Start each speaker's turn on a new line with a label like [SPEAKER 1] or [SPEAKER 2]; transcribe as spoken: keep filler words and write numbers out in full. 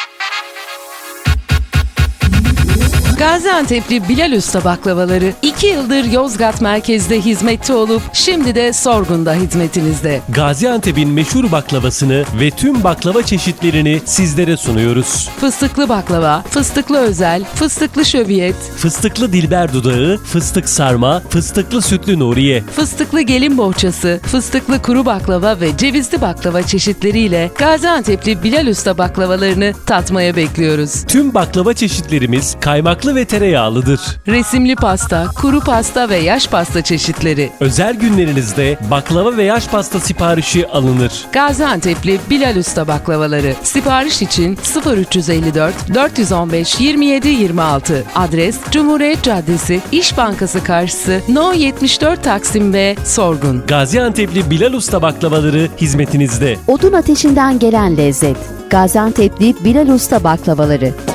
[SPEAKER 1] Gaziantep'li Bilal Usta baklavaları iki yıldır Yozgat merkezde hizmette olup şimdi de Sorgun'da hizmetinizde.
[SPEAKER 2] Gaziantep'in meşhur baklavasını ve tüm baklava çeşitlerini sizlere sunuyoruz.
[SPEAKER 1] Fıstıklı baklava, fıstıklı özel, fıstıklı şöbiyet,
[SPEAKER 2] Fıstıklı dilber dudağı, fıstık sarma, fıstıklı sütlü nuriye.
[SPEAKER 1] fıstıklı gelin bohçası, fıstıklı kuru baklava ve cevizli baklava çeşitleriyle Gaziantep'li Bilal Usta baklavalarını tatmaya bekliyoruz.
[SPEAKER 2] Tüm baklava çeşitlerimiz kaymaklı ve tereyağlıdır.
[SPEAKER 1] Resimli pasta, kuru pasta ve yaş pasta çeşitleri.
[SPEAKER 2] Özel günlerinizde baklava ve yaş pasta siparişi alınır.
[SPEAKER 1] Gaziantep'li Bilal Usta baklavaları. Sipariş için sıfır üç yüz elli dört dört yüz on beş yirmi yedi yirmi altı. Adres Cumhuriyet Caddesi, İş Bankası karşısı, No yetmiş dört Taksim ve Sorgun.
[SPEAKER 2] Gaziantep'li Bilal Usta baklavaları hizmetinizde.
[SPEAKER 3] Odun ateşinden gelen lezzet. Gaziantep'li Bilal Usta baklavaları.